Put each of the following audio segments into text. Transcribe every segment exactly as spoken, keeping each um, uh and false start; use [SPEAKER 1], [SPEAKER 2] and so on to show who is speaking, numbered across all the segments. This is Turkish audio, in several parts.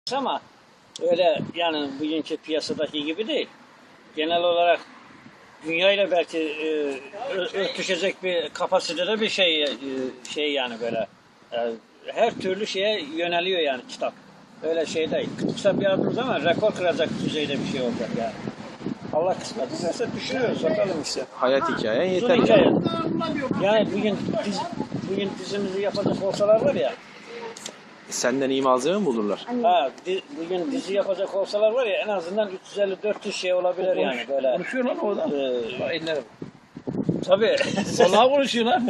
[SPEAKER 1] Ama öyle yani bugünkü piyasadaki gibi değil. Genel olarak dünyayla belki e, örtüşecek bir kapasitede bir şey e, şey yani böyle e, her türlü şeye yöneliyor yani kitap. Öyle şey değil. Kısa bir adım ama rekor kıracak düzeyde bir şey olacak yani. Allah kısmet ederse düşünüyoruz bakalım işte.
[SPEAKER 2] Hayat hikayen
[SPEAKER 1] Uzun
[SPEAKER 2] yeter.
[SPEAKER 1] hikaye. Yani bugün diz, bugün dizimizi yapacak olsalar var ya.
[SPEAKER 2] Senden iyi malzeme mi bulurlar?
[SPEAKER 1] Ha, di, bugün dizi yapacak olsalar var ya en azından üç yüz elli dört yüz şey olabilir
[SPEAKER 3] Konuş,
[SPEAKER 1] yani böyle.
[SPEAKER 3] Konuşuyor lan o adam.
[SPEAKER 1] Ee,
[SPEAKER 3] Ellerim.
[SPEAKER 1] tabii.
[SPEAKER 3] Vallahi konuşuyor lan.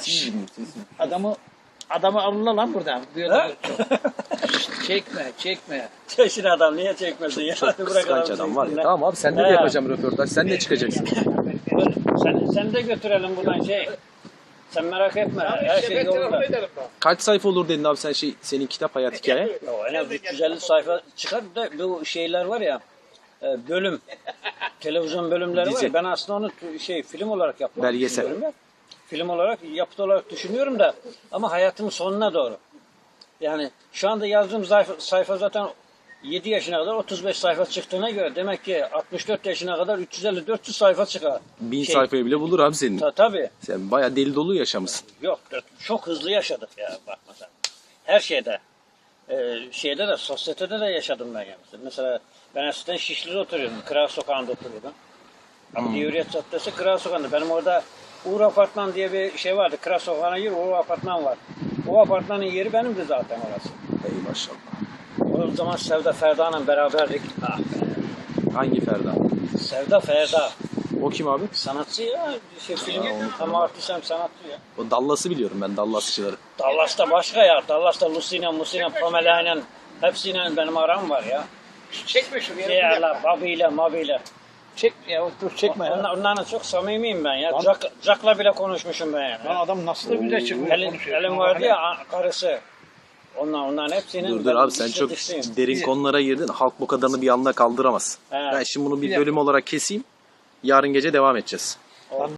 [SPEAKER 3] adamı adamı alırlar lan buradan. Diyorlar çok. çekme, çekme.
[SPEAKER 1] Çeşin adam niye çekmesin ya?
[SPEAKER 2] Çok
[SPEAKER 1] Hadi bırak
[SPEAKER 2] kıskanç
[SPEAKER 1] adamı
[SPEAKER 2] adam var ya.
[SPEAKER 1] çeksinler.
[SPEAKER 2] Tamam abi sende de
[SPEAKER 1] He.
[SPEAKER 2] yapacağım röportaj. Sen de çıkacaksın.
[SPEAKER 1] Sen, sen de götürelim buradan şey. Sen merak etme. Her şey yolunda.
[SPEAKER 2] Kaç sayfa olur dedin abi sen şey senin kitap hayat hikaye?
[SPEAKER 1] O en az üç yüz elli sayfa çıkar da bu şeyler var ya e, bölüm televizyon bölümleri var
[SPEAKER 2] Dizi.
[SPEAKER 1] ya ben aslında onu t- şey film olarak yapmak
[SPEAKER 2] Belgesel.
[SPEAKER 1] düşünüyorum ya. Film olarak yapıt olarak düşünüyorum da ama hayatımın sonuna doğru. Yani şu anda yazdığım sayfa, sayfa zaten yedi yaşına kadar otuz beş sayfa çıktığına göre demek ki altmış dört yaşına kadar üç yüz elli dört yüz sayfa çıkar.
[SPEAKER 2] Bin
[SPEAKER 1] Şey,
[SPEAKER 2] sayfayı bile bulur abi senin.
[SPEAKER 1] Ta, tabii.
[SPEAKER 2] Sen bayağı deli dolu yaşamışsın.
[SPEAKER 1] Yok çok hızlı yaşadık ya bakma sen. Her şeyde. Ee, şeyde de sosyetede de yaşadım ben yani. Mesela ben eskiden Şişli'de oturuyordum. Kral Sokağı'nda oturuyordum. Ama Hürriyet Caddesi Kral Sokağı'nda. Benim orada Uğur Apartman diye bir şey vardı. Kral Sokağı'na gir Uğur Apartman var. O apartmanın yeri benimdi zaten orası.
[SPEAKER 2] Ey maşallah.
[SPEAKER 1] O zaman Sevda Ferda'yla beraberdik. Ah be.
[SPEAKER 2] Hangi Ferda?
[SPEAKER 1] Sevda Ferda.
[SPEAKER 2] O kim abi?
[SPEAKER 1] Sanatçı ya. Şey, film hem artist hem sanatçı ya.
[SPEAKER 2] O Dallas'ı biliyorum ben Dallasçıları.
[SPEAKER 1] Dallas'ta başka ya. Dallas'ta Lucina, Musina, Pamela'yla hepsiyle benim aram var ya.
[SPEAKER 3] Çekme şuraya.
[SPEAKER 1] Diğerler, Babi'yle, Mabi'yle.
[SPEAKER 3] Çek ya dur çekme ya.
[SPEAKER 1] Onlar, onlarla çok samimiyim ben ya.
[SPEAKER 3] Lan-
[SPEAKER 1] Jack, Jack'la bile konuşmuşum ben yani.
[SPEAKER 3] Lan adam nasıl da güzel çıkıyor
[SPEAKER 1] Elin,
[SPEAKER 3] konuşuyor.
[SPEAKER 1] elin vardı ya a- karısı. Onlar, onların hepsinin...
[SPEAKER 2] Dur dur
[SPEAKER 1] ben
[SPEAKER 2] abi sen
[SPEAKER 1] dişli
[SPEAKER 2] çok
[SPEAKER 1] dişliyim.
[SPEAKER 2] derin konulara girdin. Halk bu kadarını bir anda kaldıramaz.
[SPEAKER 1] He.
[SPEAKER 2] Ben şimdi bunu bir
[SPEAKER 3] Bir
[SPEAKER 2] bölüm olarak keseyim. Yarın gece devam edeceğiz.